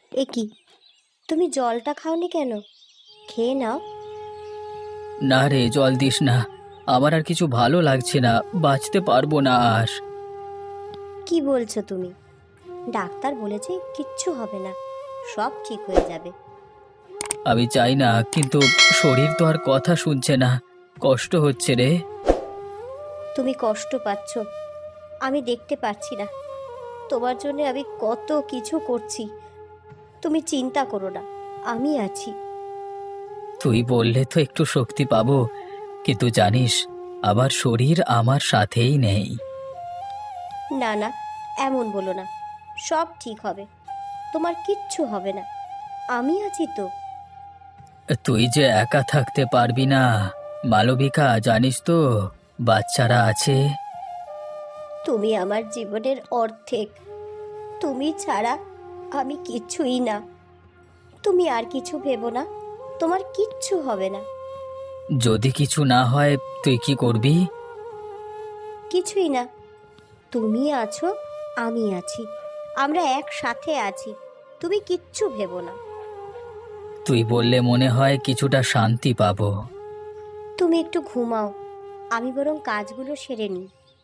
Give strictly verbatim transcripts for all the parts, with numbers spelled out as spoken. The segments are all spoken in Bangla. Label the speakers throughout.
Speaker 1: এ কি, তুমি জলটা খাওনি কেন? খেয়ে নাও।
Speaker 2: না রে, জল দিস না। আমার আর কিছু ভালো লাগছে না, বাঁচতে পারবো না আর।
Speaker 1: কি বলছো তুমি? ডাক্তার বলেছে কিচ্ছু হবে না, সব ঠিক হয়ে যাবে।
Speaker 2: আমি চাই না, কিন্তু শরীর তো আর কথা শুনছে না। কষ্ট হচ্ছে রে।
Speaker 1: তুমি কষ্ট পাচ্ছ, আমি দেখতে পাচ্ছি না। তোমার জন্য আমি কত কিছু করছি, তুমি চিন্তা করো না, আমি আছি।
Speaker 2: তুই বললে তো একটু শক্তি পাবো, কিন্তু জানিস, আমার শরীর আমার সাথেই নেই।
Speaker 1: না না, এমন বলো না, সব ঠিক হবে, তোমার কিচ্ছু হবে না, আমি আছি তো।
Speaker 2: তুই যে একা থাকতে পারবি না মালবিকা, জানিস তো বাচ্চারা আছে।
Speaker 1: তুমি আমার জীবনের অর্ধেক, তুমি ছাড়া আমি কিছুই না। তুমি আর কিছু ভেবো না, তোমার কিচ্ছু হবে না।
Speaker 2: যদি কিছু না হয় তুই কি করবি?
Speaker 1: কিছুই না, তুমি আছো, আমি আছি, আমরা একসাথে আছি, তুমি কিচ্ছু ভেবো না।
Speaker 2: তুই বললে মনে হয় কিছুটা শান্তি পাবো।
Speaker 1: তুমি একটু ঘুমাও, আমি বরং কাজগুলো সেরে নিই।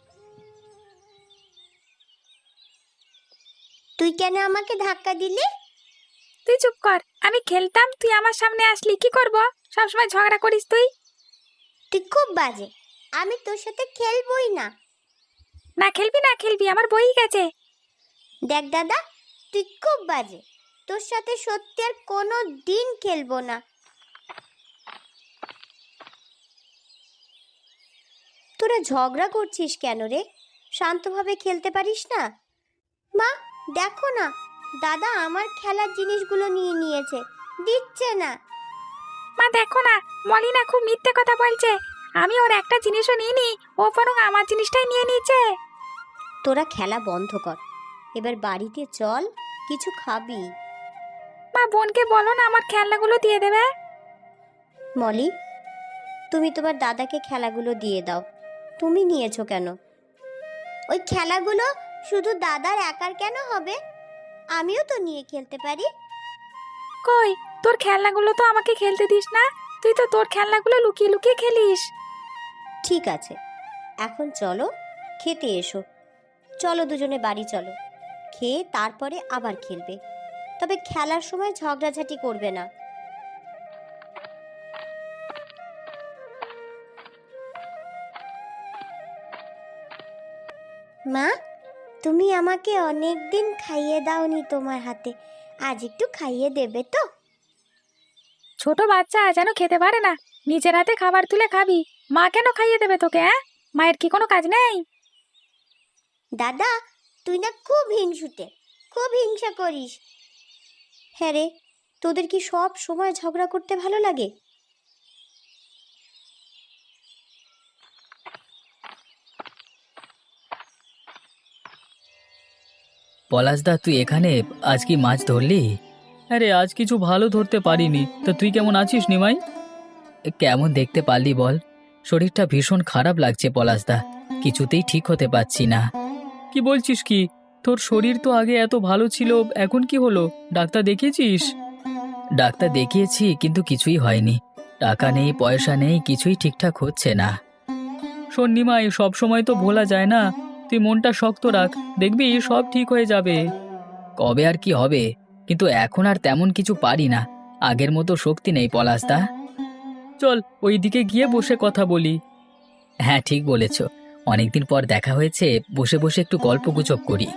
Speaker 1: তুই কেন আমাকে ধাক্কা দিলি?
Speaker 3: তুই চুপ কর, আমি খেলতাম, তুই আমার সামনে আসলি, কি করব? সবসময় ঝগড়া করিস তুই।
Speaker 1: তুই খুব বাজে, আমি তোর সাথে খেলবই না।
Speaker 3: না খেলবি না খেলবি, আমার বই গেছে।
Speaker 1: দেখ দাদা, তুই খুব বাজে, তোর সাথে সত্যি আর কোনো দিন খেলবো না। তোরা ঝগড়া করছিস কেন রে? শান্তভাবে খেলতে পারিস না? মা, দেখো না, দাদা আমার খেলার জিনিসগুলো নিয়ে নিয়েছে, দিচ্ছে না।
Speaker 3: মা দেখো না, মলিনা খুব মিথ্যে কথা বলছে। আমি ওর একটা জিনিসও নিইনি, ও বরং আমার জিনিসটাই নিয়ে নিয়েছে।
Speaker 1: তোরা খেলা বন্ধ কর, এবার বাড়িতে চল, কিছু খাবি।
Speaker 3: মা বোনকে বলো না আমার খেলনাগুলো দিয়ে দেবে।
Speaker 1: মলি, তুমি তোমার দাদাকে খেলাগুলো দিয়ে দাও। তুমি নিয়েছো কেন? ওই খেলাগুলো শুধু দাদার একার কেন হবে? আমিও তো নিয়ে খেলতে পারি।
Speaker 3: কই, তোর খেলনাগুলো তো আমাকে খেলতে দিস না, তুই তো তোর খেলনাগুলো লুকিয়ে লুকিয়ে খেলিস।
Speaker 1: ঠিক আছে, এখন চলো খেতে এসো। চলো দুজনে বাড়ি চলো, খেয়ে তারপরে আবার খেলবে, তবে খেলার সময় ঝগড়াঝাটি করবে না। মা, তুমি আমাকে অনেক দিন খাইয়ে দাওনি তোমার হাতে, আজ একটু খাইয়ে দেবে তো?
Speaker 3: ছোট বাচ্চা যেন খেতে পারে না, নিজের হাতে খাবার তুলে খাবি, মা কেন খাইয়ে দেবে তোকে? হ্যাঁ, মায়ের কি কোনো কাজ নেই?
Speaker 1: দাদা, তুই না খুব হিংসুটে, খুব হিংসা করিস। হ্যাঁ রে, তোদের কি সব সময় ঝগড়া করতে ভালো লাগে?
Speaker 2: পলাশদা, তুই এখানে? আজ কি মাছ ধরলি? আরে আজ কিছু ভালো ধরতে পারিনি, তা তুই কেমন আছিস নিমাই? কেমন দেখতে পারলি বল? শরীরটা ভীষণ খারাপ লাগছে পলাশদা, কিছুতেই ঠিক হতে পারছি না। কি বলছিস কি? তোর শরীর তো আগে এত ভালো ছিল, এখন কি হলো? ডাক্তার দেখিয়েছিস? ডাক্তার দেখিয়েছি, কিন্তু কিছুই হয়নি। টাকা নেই, পয়সা নেই, কিছুই ঠিকঠাক হচ্ছে না। শোন নিমাই, সব সময় তো ভোলা যায় না, তুই মনটা শক্ত রাখ, দেখবি সব ঠিক হয়ে যাবে। কবে আর কি হবে, কিন্তু এখন আর তেমন কিছু পারি না, আগের মতো শক্তি নেই পলাশদা। চল ওই দিকে গিয়ে বসে কথা বলি। হ্যাঁ ঠিক বলেছ, অনেকদিন পর দেখা হয়েছে, বসে বসে একটু গল্পগুজব করি।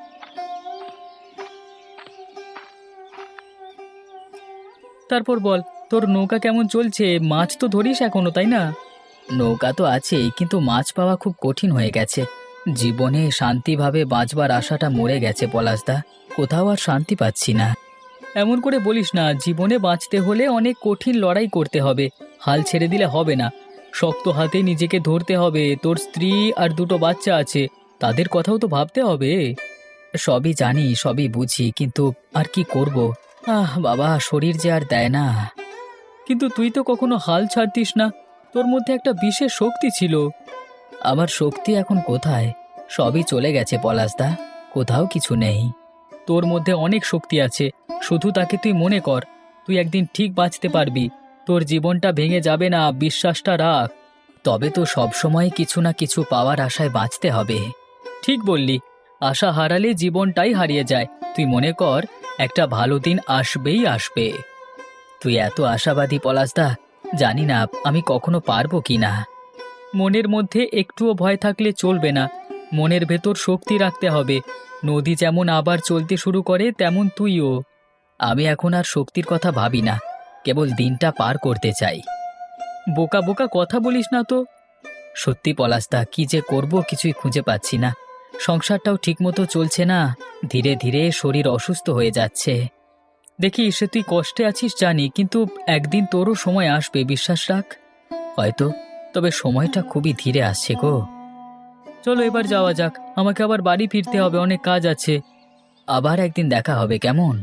Speaker 2: তারপর বল, তোর নৌকা কেমন চলছে? মাছ তো ধরিস এখনো, তাই না? নৌকা তো আছেই, কিন্তু মাছ পাওয়া খুব কঠিন হয়ে গেছে। জীবনে শান্তিভাবে বাঁচবার আশাটা মরে গেছে পলাশদা, কোথাও আর শান্তি পাচ্ছি না। এমন করে বলিস না, জীবনে বাঁচতে হলে অনেক কঠিন লড়াই করতে হবে, হাল ছেড়ে দিলে হবে না। শক্ত হাতে নিজেকে ধরতে হবে, তোর স্ত্রী আর দুটো বাচ্চা আছে, তাদের কথাও তো ভাবতে হবে। সবই জানি, সবই বুঝি, কিন্তু আর কি করব? আহ বাবা, শরীর যে আর দেয় না। কিন্তু তুই তো কখনো হাল ছাড়তিস না, তোর মধ্যে একটা বিশেষ শক্তি ছিল। আমার শক্তি এখন কোথায়? সবই চলে গেছে পলাশদা, কোথাও কিছু নেই। তোর মধ্যে অনেক শক্তি আছে, শুধু তাকে তুই মনে কর, তুই একদিন ঠিক বাঁচতে পারবি, তোর জীবনটা ভেঙে যাবে না, বিশ্বাসটা রাখ। তবে তো সবসময় কিছু না কিছু পাওয়ার আশায় বাঁচতে হবে। ঠিক বললি, আশা হারালে জীবনটাই হারিয়ে যায়। তুই মনে কর, একটা ভালো দিন আসবেই আসবে। তুই এত আশাবাদী পলাশদা, জানি না আমি কখনো পারবো কি না। মনের মধ্যে একটুও ভয় থাকলে চলবে না, মনের ভেতর শক্তি রাখতে হবে। নদী যেমন আবার চলতে শুরু করে, তেমন তুইও। আমি এখন আর শক্তির কথা ভাবি না, কেবল দিনটা পার করতে চাই। বোকা বোকা কথা বলিস না তো। সত্যি পলাশদা, কি যে করব কিছুই খুঁজে পাচ্ছি না। সংসারটাও ঠিকমতো চলছে না, ধীরে ধীরে শরীর অসুস্থ হয়ে যাচ্ছে। দেখি সে তুই কষ্টে আছিস জানি, কিন্তু একদিন তোরও সময় আসবে, বিশ্বাস রাখ। হয়তো, তবে সময়টা খুবই ধীরে আসছে গো। চলো এবার যাওয়া যাক, আমাকে আবার বাড়ি ফিরতে হবে, অনেক কাজ আছে। আবার একদিন দেখা হবে, কেমন?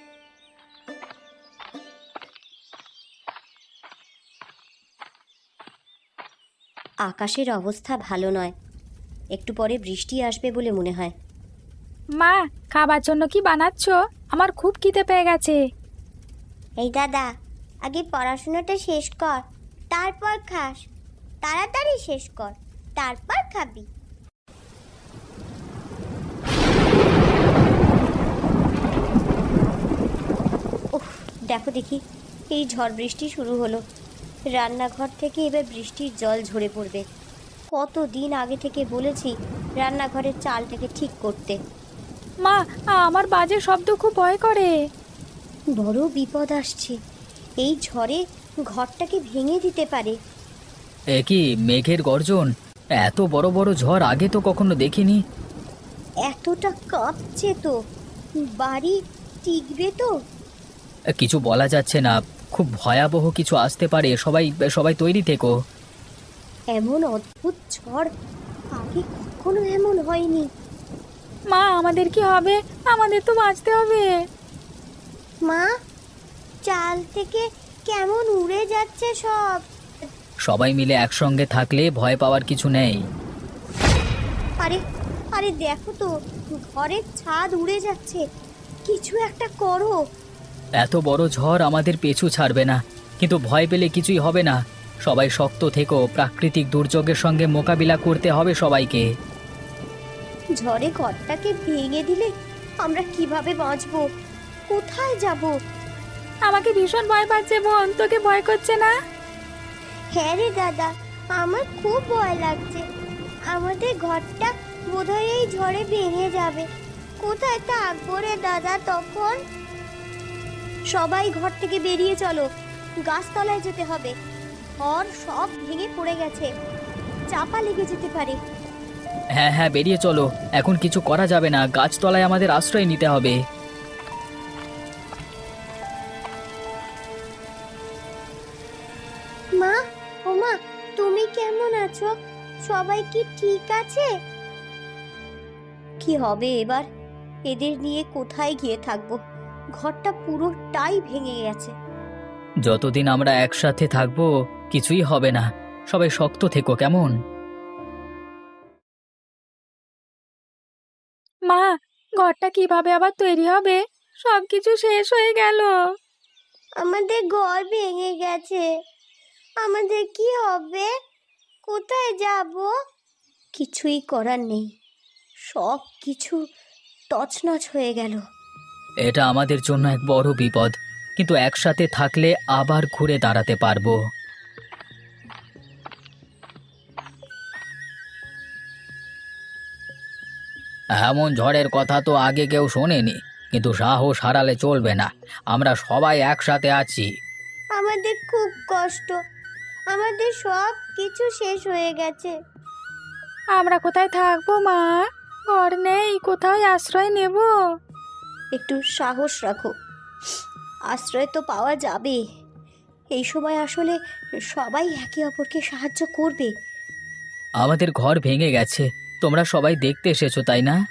Speaker 1: আকাশের অবস্থা ভালো নয়, একটু পরে বৃষ্টি আসবে বলে মনে হয়।
Speaker 3: মা, খাবার জন্য কি বানাচ্ছ? আমার খুব খিদে পেয়ে গেছে।
Speaker 1: এই দাদা, আগে পড়াশোনাটা শেষ কর, তারপর খাস। তাড়াতাড়ি শেষ কর, তারপর খাবি। উফ, দেখো দেখি, এই ঝড় বৃষ্টি শুরু হলো। রান্নাঘর থেকে এবার বৃষ্টির জল ঝরে পড়বে। কতদিন আগে থেকে বলেছি রান্নাঘরের চালটাকে ঠিক করতে।
Speaker 3: মা, আমার বাজে শব্দ খুব ভয় করে।
Speaker 1: বড় বিপদ আসছে, এই ঝড়ে ঘরটাকে ভেঙে দিতে পারে।
Speaker 2: এ কি মেঘের গর্জন! এত বড় বড় ঝড় আগে তো কখনো দেখিনি।
Speaker 1: এতটা কাঁপছে তো, বাড়ি টিকবে তো?
Speaker 2: কিছু বলা যাচ্ছে না, খুব ভয়াবহ কিছু আসতে পারে। সবাই সবাই তৈরি থেকো।
Speaker 1: এমন অদ্ভুত ঝড় আগে কখনো এমন হয়নি।
Speaker 3: মা, আমাদের কি হবে? আমাদের তো বাঁচতে হবে।
Speaker 1: মা, চাল থেকে কেমন উড়ে যাচ্ছে সব।
Speaker 2: সবাই মিলে একসঙ্গে থাকলে ভয় পাওয়ার কিছু নেই।
Speaker 1: আরে আরে দেখো তো, ঘরের ছাদ উড়ে যাচ্ছে। কিছু একটা করো।
Speaker 2: এত বড় ঝড় আমাদের পিছু ছাড়বে না, কিন্তু ভয় পেলে কিছুই হবে না। সবাই শক্ত থেকো, প্রাকৃতিক দুর্যোগের সঙ্গে মোকাবিলা করতে হবে সবাইকে।
Speaker 1: ঝড়ে ঘরটাকে ভেঙে দিলে আমরা কিভাবে বাঁচবো? কোথায় যাব?
Speaker 3: আমাকে ভীষণ ভয় পাচ্ছে বোন, তোকে ভয় করছে না?
Speaker 1: হ্যাঁ রে দাদা, আমার খুব ভয় লাগছে। আমাদের ঘরটা বোধহয় এই ঝড়ে ভেঙে যাবে। কোথায় থাকবো রে দাদা তখন? সবাই ঘর থেকে বেরিয়ে চলো, গাছতলায় যেতে হবে। ঘর সব ভেঙে পড়ে গেছে, চাপা লেগে যেতে পারে।
Speaker 2: হ্যাঁ হ্যাঁ, বেরিয়ে চলো, এখন কিছু করা যাবে না, গাছতলায় আমাদের আশ্রয় নিতে হবে।
Speaker 1: মা, ও মা, তুমি কেমন আছো? সবাই কি ঠিক আছে? কি হবে এবার? এদের নিয়ে কোথায় গিয়ে থাকবো? ঘরটা পুরোটাই ভেঙে গেছে।
Speaker 2: যতদিন আমরা একসাথে থাকবো কিছুই হবে না। সবাই শক্ত থেকো, কেমন?
Speaker 3: মা, ঘরটা কিভাবে আবার তৈরি হবে? সবকিছু শেষ হয়ে গেল।
Speaker 1: আমাদের ঘর ভেঙে গেছে, আমাদের কি হবে? কোথায় যাব? কিছুই করার নেই, সব কিছু তছনছ হয়ে গেল।
Speaker 2: এটা আমাদের জন্য এক বড় বিপদ, কিন্তু একসাথে থাকলে আবার ঘুরে দাঁড়াতে পারবো। এমন ঝড়ের কথা তো আগে কেউ শোনেনি, কিন্তু সাহস হারালে চলবে না। আমরা সবাই একসাথে আছি।
Speaker 1: আমাদের খুব কষ্ট, আমাদের সব কিছু শেষ হয়ে গেছে।
Speaker 3: আমরা কোথায় থাকবো মা? ঘর নেই, কোথায় আশ্রয় নেব?
Speaker 1: একটু সাহস রাখো, আশ্রয় তো পাওয়া যাবে। এই সময় আসলে সবাই একে অপরকে সাহায্য করবে।
Speaker 2: আমাদের ঘর ভেঙে গেছে, তোমরা সবাই দেখতে এসেছো তাই না?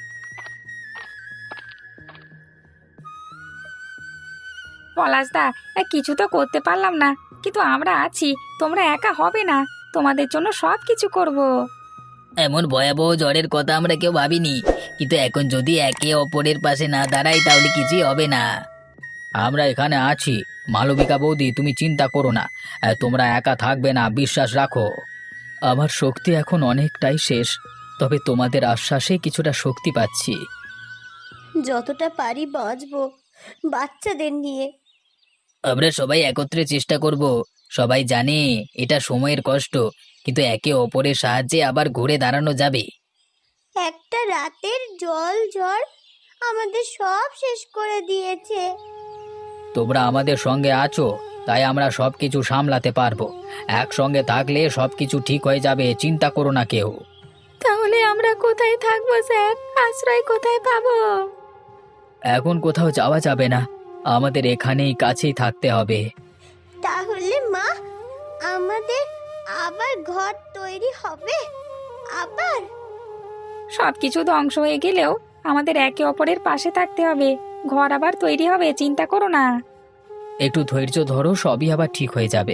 Speaker 3: পলাশদা, এ, কিছু তো করতে পারলাম না, কিন্তু আমরা আছি। তোমরা একা হবে না, তোমাদের জন্য সব কিছু করব।
Speaker 2: এমন ভয়াবহ ঝড়ের কথা আমরা কেউ ভাবিনি, কিন্তু এখন যদি একে অপরের পাশে না দাঁড়াই তাহলে কিছুই হবে না। আমরা এখানে আছি। মালবিকা বৌদি, তুমি চিন্তা করো না। আহ, তোমরা একা থাকবে না, বিশ্বাস রাখো। আমার শক্তি এখন অনেকটাই শেষ, তবে তোমাদের আশ্বাসে কিছুটা শক্তি পাচ্ছি।
Speaker 1: যতটা পারি বাঁচবো বাচ্চাদের নিয়ে।
Speaker 2: আমরা সবাই একত্রে চেষ্টা করব। সবাই জানে এটা সময়ের কষ্ট, কিন্তু একে অপরের সাহায্যে আবার ঘুরে দাঁড়ানো যাবে।
Speaker 1: একটা রাতের জল ঝড় আমাদের সব শেষ করে দিয়েছে।
Speaker 2: তোমরা আমাদের সঙ্গে আছো, তাই আমরা সবকিছু সামলাতে পারবো। একসঙ্গে থাকলে সবকিছু ঠিক হয়ে যাবে, চিন্তা করো না কেউ।
Speaker 3: তাহলে আমরা কোথায় থাকবো স্যার? আশ্রয় কোথায় পাবো?
Speaker 2: এখন কোথাও যাওয়া যাবে না, আমাদের এখানেই কাছেই থাকতে হবে।
Speaker 1: তাহলে মা, আমাদের আবার ঘর তৈরি হবে? আবার?
Speaker 3: সবকিছু ধ্বংস হয়ে গেলেও আমাদের একে অপরের পাশে থাকতে হবে। ঘর আবার তৈরি হবে, চিন্তা করো না।
Speaker 2: একটু ধৈর্য ধরো, সবই আবার ঠিক হয়ে যাবে।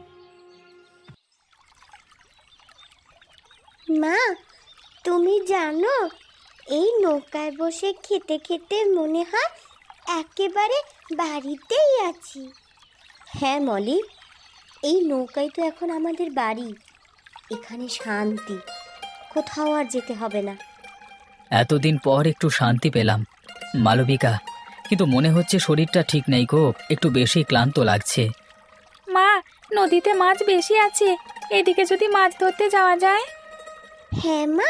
Speaker 1: মা, তুমি জানো এই নৌকায় বসে খেতে খেতে মনে হয় একেবারে বাড়িতেই আছি। হ্যাঁ মলি, এই নৌকাই তো এখন আমাদের বাড়ি। এখানে শান্তি, কোথাও আর যেতে হবে না।
Speaker 2: এতদিন পর একটু শান্তি পেলাম মালবিকা, কিন্তু মনে হচ্ছে শরীরটা ঠিক নেই গো, একটু বেশি ক্লান্ত লাগছে।
Speaker 3: মা, নদীতে মাছ বেশি আছে, এদিকে যদি মাছ ধরতে যাওয়া যায়।
Speaker 1: হ্যাঁ মা,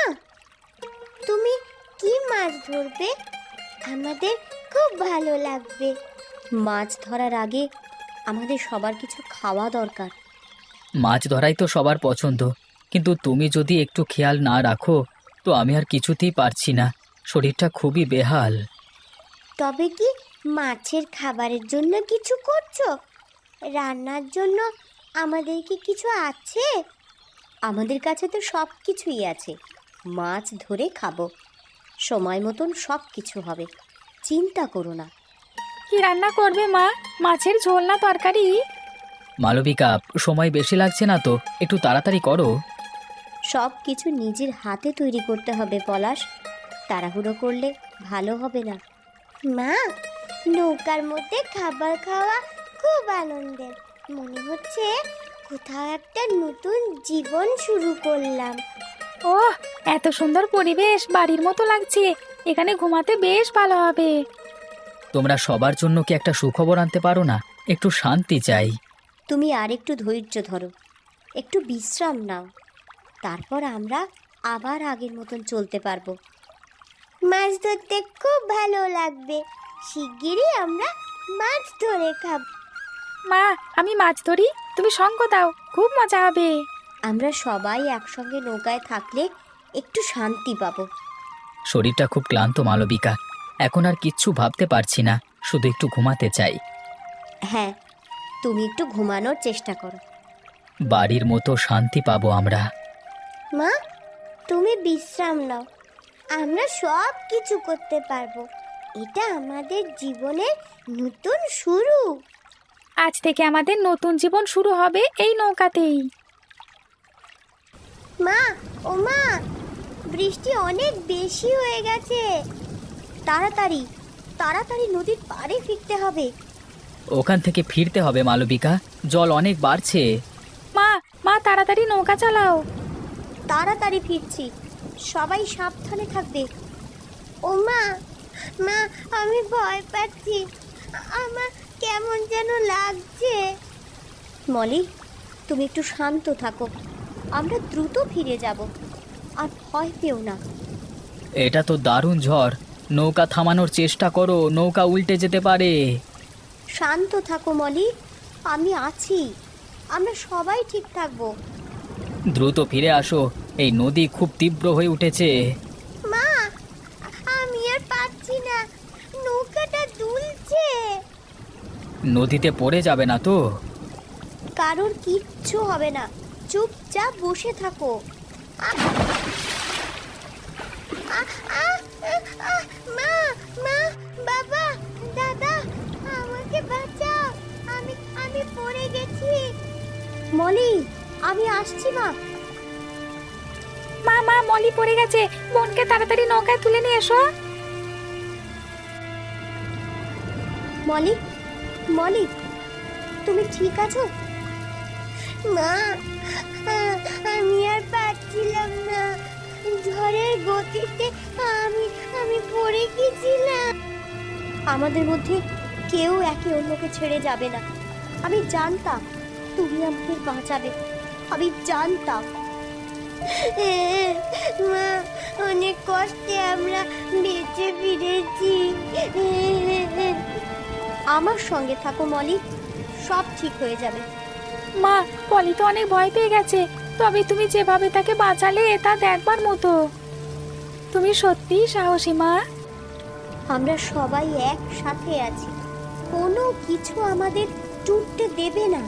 Speaker 1: তুমি কি মাছ ধরবে? আমাদের খুব ভালো লাগবে। মাছ ধরার আগে আমাদের সবার কিছু খাওয়া দরকার।
Speaker 2: মাছ ধরাই তো সবার পছন্দ, কিন্তু তুমি যদি একটু খেয়াল না রাখো তো আমি আর কিছুতেই পারছি না, শরীরটা খুবই বেহাল।
Speaker 1: তবে কি মাছের খাবারের জন্য কিছু করছো? রান্নার জন্য আমাদের কি কিছু আছে? আমাদের কাছে তো সব কিছুই আছে। মাছ ধরে খাবো, সময় মতন সব কিছু হবে, চিন্তা করো না।
Speaker 3: কি রান্না করবে মা? মাছের ঝোল না তরকারি?
Speaker 2: মালবিকা, সময় বেশি লাগছে না তো, একটু তাড়াতাড়ি করো।
Speaker 1: সব কিছু নিজের হাতে তৈরি করতে হবে পলাশ, তাড়াহুড়ো করলে ভালো হবে না। মা, নৌকার মধ্যে খাবার খাওয়া খুব আনন্দের। মনে হচ্ছে কোথাও একটা নতুন জীবন শুরু করলাম।
Speaker 3: ওহ, এত সুন্দর পরিবেশ, বাড়ির মতো লাগছে। এখানে ঘুমাতে বেশ ভালো হবে।
Speaker 2: তোমরা সবার জন্য কি একটা সুখবর আনতে পারো না? একটু শান্তি চাই।
Speaker 1: তুমি আর একটু ধৈর্য ধরো, একটু বিশ্রাম নাও, তারপর আমরা আবার আগের মতন চলতে পারবো। মাছ ধরতে খুব ভালো লাগবে, শিগগিরই আমরা মাছ ধরে খাব।
Speaker 3: মা, আমি মাছ ধরি, তুমি সঙ্গ দাও, খুব মজা হবে।
Speaker 1: আমরা সবাই একসঙ্গে নৌকায় থাকলে একটু শান্তি পাবো।
Speaker 2: শরীরটা খুব ক্লান্ত মালবিকা, এখন আর কিচ্ছু ভাবতে পারছি না, শুধু একটু ঘুমাতে চাই।
Speaker 1: হ্যাঁ, তুমি একটু ঘুমানোর চেষ্টা করো।
Speaker 2: বাড়ির মতো শান্তি পাবো আমরা।
Speaker 1: মা, তুমি বিশ্রাম নাও, আমরা সব কিছু করতে পারবো। এটা আমাদের জীবনের নতুন শুরু।
Speaker 3: আজ থেকে আমাদের নতুন জীবন শুরু হবে এই নৌকাতেই।
Speaker 1: মা, ও মা, বৃষ্টি অনেক বেশি হয়ে গেছে। তাড়াতাড়ি তাড়াতাড়ি নদীর পাড়ে ফিরতে হবে।
Speaker 2: ওখান থেকে ফিরতে হবে মালবিকা, জল অনেক বাড়ছে।
Speaker 3: মা, মা তাড়াতাড়ি নৌকা চালাও।
Speaker 1: তাড়াতাড়ি ফিরছি, সবাই সাবধানে থাকবে। ও মা, মা, আমি ভয় পাচ্ছি, আমার কেমন যেন লাগছে। মলি, তুমি একটু শান্ত থাকো, আমরা দ্রুত ফিরে যাব, আর ভয় পেও না।
Speaker 2: এটা তো দারুণ ঝড়, নৌকা থামানোর চেষ্টা করো, নৌকা উল্টে যেতে পারে।
Speaker 1: শান্ত থাকো মলি, আমি আছি, আমরা সবাই ঠিক থাকবো।
Speaker 2: দ্রুত ফিরে আসো, এই নদী খুব তীব্র হয়ে উঠেছে।
Speaker 1: মা, আমি আর পাচ্ছি না, নৌকাটা দুলছে।
Speaker 2: নদীতে পড়ে যাবে না তো?
Speaker 1: কারোর কিচ্ছু হবে না, চুপচাপ বসে থাকো। আ- আ- আ- আ- মা, মা, বাবা, দাদা, আমাকে বাঁচাও, আমি আমি পড়ে গেছি। মলি, আমি আসছি মা।
Speaker 3: মা, মা, মলি পড়ে গেছে, বোনকে তাড়াতাড়ি নৌকায় তুলে নিয়ে এসো।
Speaker 1: মলি, মলি, তুমি ঠিক আছো? মা, আমি আর পারছিলাম না, ঝড়ের গতিতে আমি আমি পড়ে গেছিলাম। আমাদের মধ্যে কেউ একে অন্যকে ছেড়ে যাবে না। আমি জানতাম তুমি আমাদের বাঁচাবে, আমি জানতাম। মা, অনেক কষ্টে আমরা বেঁচে ফিরেছি। আমার সঙ্গে থাকো মলি, সব ঠিক হয়ে যাবে।
Speaker 3: মা, পলি তো অনেক ভয় পেয়ে গেছে, তবে তুমি যেভাবে তাকে বাঁচালে তা দেখবার মতো। তুমি সত্যিই সাহসী মা।
Speaker 1: আমরা সবাই একসাথে আছি, কোনো কিছু আমাদের টুটতে দেবে না।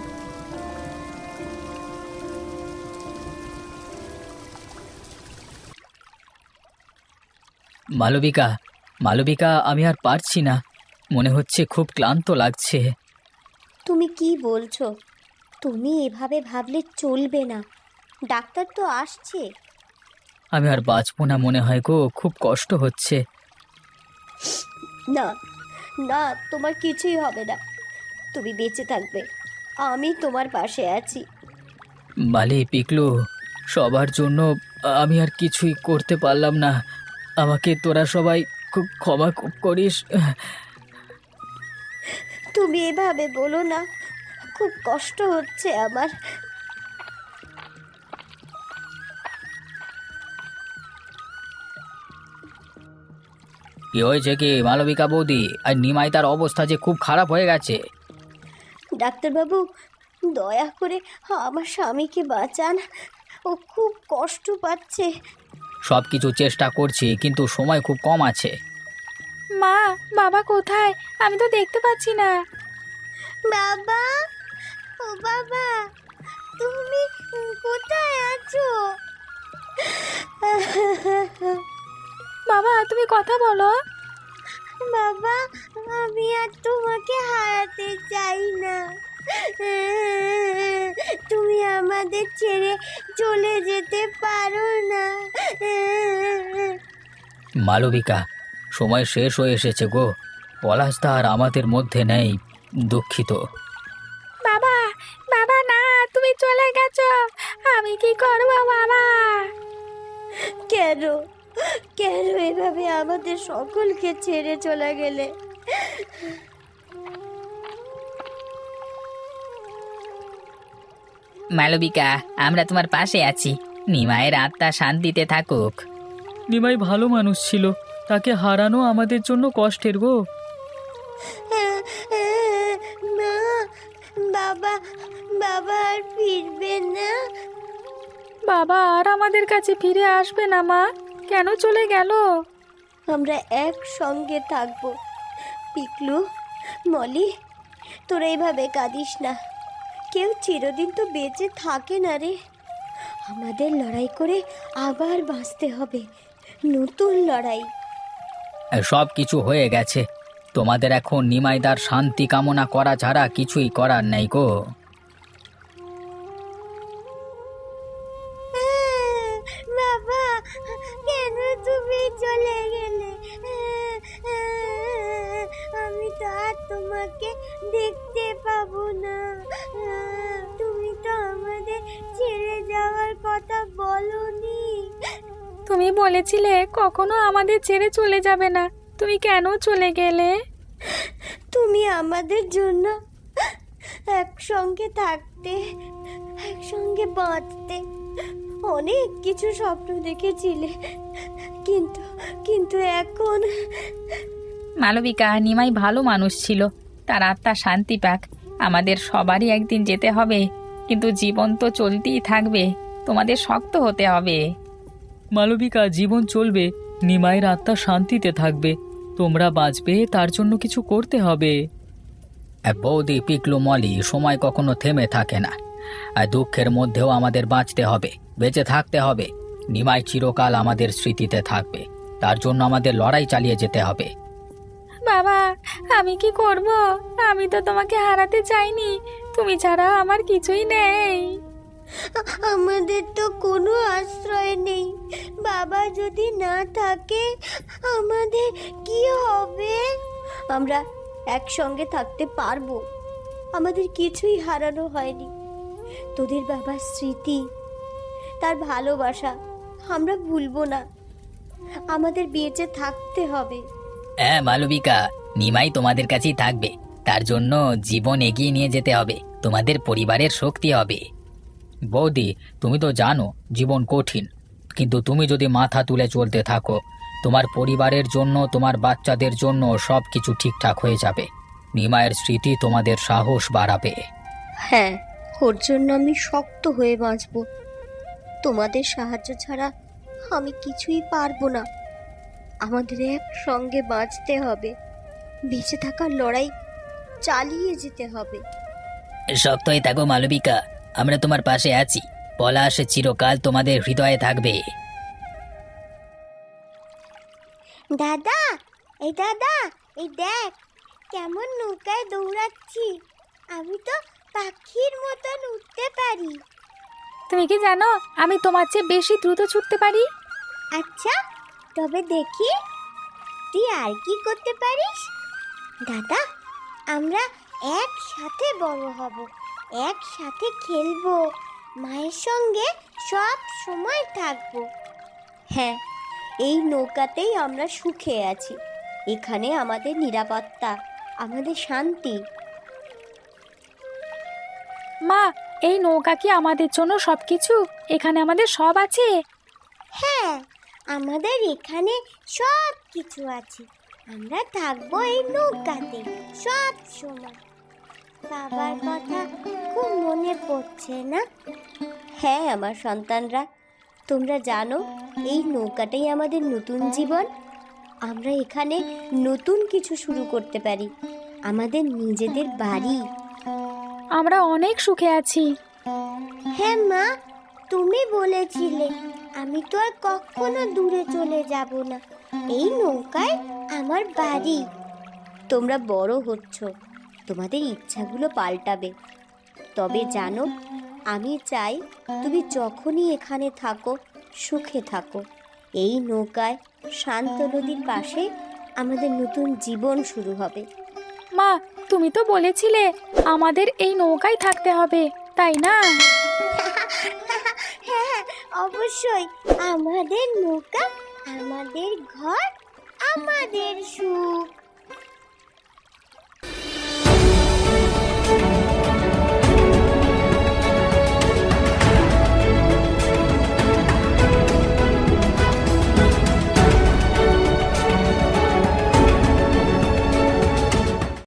Speaker 2: মালবিকা, মালবিকা, আমি আর পারছি না, মনে হচ্ছে খুব ক্লান্ত লাগছে।
Speaker 1: তুমি কি বলছো? তুমি এভাবে ভাবলে চলবে না, ডাক্তার তো আসছে।
Speaker 2: আমি আর বাঁচবো না মনে হয় গো, খুব কষ্ট হচ্ছে।
Speaker 1: না না, তোমার কিছুই হবে না, তুমি বেঁচে থাকবে, আমি তোমার পাশে আছি।
Speaker 2: মালি, পিকলু, সবার জন্য আমি আর কিছুই করতে পারলাম না, আমাকে তোরা সবাই খুব ক্ষমা ক- করিস।
Speaker 1: তুমি এভাবে বলো না, খুব কষ্ট হচ্ছে আমার।
Speaker 2: কি হয়েছে কি মালবিকা বৌদি? আর নিমাই, তার অবস্থা যে খুব খারাপ হয়ে গেছে।
Speaker 1: ডাক্তারবাবু, দয়া করে আমার স্বামীকে বাঁচান, ও খুব কষ্ট পাচ্ছে।
Speaker 2: সব কিছু চেষ্টা করছি, কিন্তু সময় খুব কম আছে।
Speaker 3: মা, বাবা কোথায়? আমি তো দেখতে পাচ্ছি না।
Speaker 1: বাবা, ও বাবা, তুমি কোথায় আছো?
Speaker 3: বাবা, তুমি কথা বলো।
Speaker 1: বাবা, আমি আর তোমাকে হারাতে চাই না, তুমি আমাদের ছেড়ে চলে যেতে পারো না।
Speaker 2: মালবিকা, সময় শেষ হয়ে এসেছে গো, পলাশদা আর আমাদের মধ্যে নেই, দুঃখিত।
Speaker 3: বাবা, বাবা না, তুমি চলে গেছো, আমি কি করবো বাবা?
Speaker 1: কেন কেন এভাবে আমাদের সকলকে ছেড়ে চলে গেলে?
Speaker 4: মালবিকা, আমরা তোমার পাশে আছি, নিমায়ের আত্মা শান্তিতে থাকুক।
Speaker 2: নিমাই ভালো মানুষ ছিল, তাকে হারানো আমাদের জন্য কষ্টের গো।
Speaker 1: মা, বাবা বাবা আর ফিরবে না?
Speaker 3: বাবা আর আমাদের কাছে ফিরে আসবে না মা, কেন চলে গেল?
Speaker 1: আমরা একসঙ্গে থাকবো। পিকলু, মলি, তোরা এইভাবে কাঁদিস না, কেউ চিরদিন তো বেঁচে থাকে না রে। আমাদের লড়াই করে আবার বাঁচতে হবে, নতুন লড়াই।
Speaker 2: সব কিছু হয়ে গেছে, তোমাদের এখন নিমাইদার শান্তি কামনা করা ছাড়া কিছুই করার নেই গো।
Speaker 1: বাবা, কেন তুমি চলে গেলে? আমি তো আর তোমাকে দেখতে পাবো না। তুমি তো আমাদের ছেড়ে যাওয়ার কথা বলনি।
Speaker 3: তুমি বলেছিলে কখনো আমাদের ছেড়ে চলে যাবে না, তুমি কেন চলে গেলে?
Speaker 1: তুমি আমাদের জন্য একসঙ্গে থাকতে, একসঙ্গে বাঁচতে অনেক কিছু স্বপ্ন দেখেছিলে, কিন্তু কিন্তু এখন
Speaker 4: মালবিকা, নিমাই ভালো মানুষ ছিল, তার আত্মা শান্তি পাক। আমাদের সবারই একদিন যেতে হবে, কিন্তু জীবন তো চলতেই থাকবে, তোমাদের শক্ত হতে হবে।
Speaker 2: মালবিকা, জীবন চলবে, নিমাইয়ের আত্মা শান্তিতে থাকবে, তোমরা বাঁচবে তার জন্য কিছু করতে হবে। বৌদি, পিকলু, মলি, সময় কখনো থেমে থাকে না, আর দুঃখের মধ্যেও আমাদের বাঁচতে হবে, বেঁচে থাকতে হবে। নিমাই চিরকাল আমাদের স্মৃতিতে থাকবে, তার জন্য আমাদের লড়াই চালিয়ে যেতে হবে।
Speaker 3: বাবা, আমি কি করব? আমি তো তোমাকে হারাতে চাইনি, তুমি ছাড়া আমার কিছুই নেই।
Speaker 1: আমাদের তো কোনো আশ্রয় নেই। বাবা যদি না থাকে আমাদের কি হবে? আমরা একসঙ্গে থাকতে পারবো, আমাদের কিছুই হারানো হয়নি। তোদের বাবার স্মৃতি, তার ভালোবাসা আমরা ভুলবো না। আমাদের বেঁচে থাকতে হবে।
Speaker 2: হ্যাঁ মালবিকা, নিমাই তোমাদের কাছেই থাকবে। তার জন্য জীবন এগিয়ে নিয়ে যেতে হবে, তোমাদের পরিবারের শক্তি হবে। বৌদি, তুমি তো জানো জীবন কঠিন, কিন্তু তুমি যদি মাথা তুলে চলতে থাকো, তোমার পরিবারের জন্য, তোমার বাচ্চাদের জন্য সব কিছু ঠিকঠাক হয়ে যাবে। নিমাইয়ের স্মৃতি তোমাদের সাহস বাড়াবে।
Speaker 1: হ্যাঁ, ওর জন্য আমি শক্ত হয়ে বাঁচব। তোমাদের সাহায্য ছাড়া আমি কিছুই পারবো না। আমাদের একসঙ্গে বাঁচতে হবে, বেঁচে থাকার লড়াই চালিয়ে যেতে হবে।
Speaker 2: শক্ত হয়ে থাকো মালবিকা, আমরা তোমার পাশে আছি। পলাশ চিরকাল তোমাদের হৃদয়ে থাকবে।
Speaker 1: দাদা, এই দাদা, এই দেখ কেমন নৌকায় দৌড়াচ্ছি। আমি তো পাখির মতন উঠতে পারি।
Speaker 3: তুমি কি জানো আমি তোমার চেয়ে বেশি দ্রুত ছুটতে পারি?
Speaker 1: আচ্ছা, তবে দেখি তুই আর কি করতে পারিস। দাদা, আমরা একসাথে বড় হব, একসাথে খেলবো, মায়ের সঙ্গে সব সময় থাকবো। হ্যাঁ, এই নৌকাতেই আমরা সুখে আছি। এখানে আমাদের নিরাপত্তা, আমাদের শান্তি।
Speaker 3: মা, এই নৌকা কি আমাদের জন্য সব কিছু? এখানে আমাদের সব আছে?
Speaker 1: হ্যাঁ, আমাদের এখানে সব কিছু আছে। আমরা থাকবো এই নৌকাতে সব সময়। বাবার কথা খুব মনে পড়ছে না? হ্যাঁ আমার সন্তানরা, তোমরা জানো এই নৌকাটাই আমাদের নতুন জীবন। আমরা এখানে নতুন কিছু শুরু করতে পারি, আমাদের নিজেদের বাড়ি।
Speaker 3: আমরা অনেক সুখে আছি।
Speaker 1: হ্যাঁ মা, তুমি বলেছিলে আমি তো আর কখনো দূরে চলে যাব না। এই নৌকায় আমার বাড়ি। তোমরা বড় হচ্ছ, তোমাদের ইচ্ছাগুলো পাল্টাবে। তবে জানো, আমি চাই তুমি যখনই এখানে থাকো সুখে থাকো। এই নৌকায় শান্ত নদীর পাশে আমাদের নতুন জীবন শুরু হবে।
Speaker 3: মা, তুমি তো বলেছিলে আমাদের এই নৌকায় থাকতে হবে, তাই না?
Speaker 1: হ্যাঁ, অবশ্যই। আমাদের নৌকা, আমাদের ঘর, আমাদের সুখ।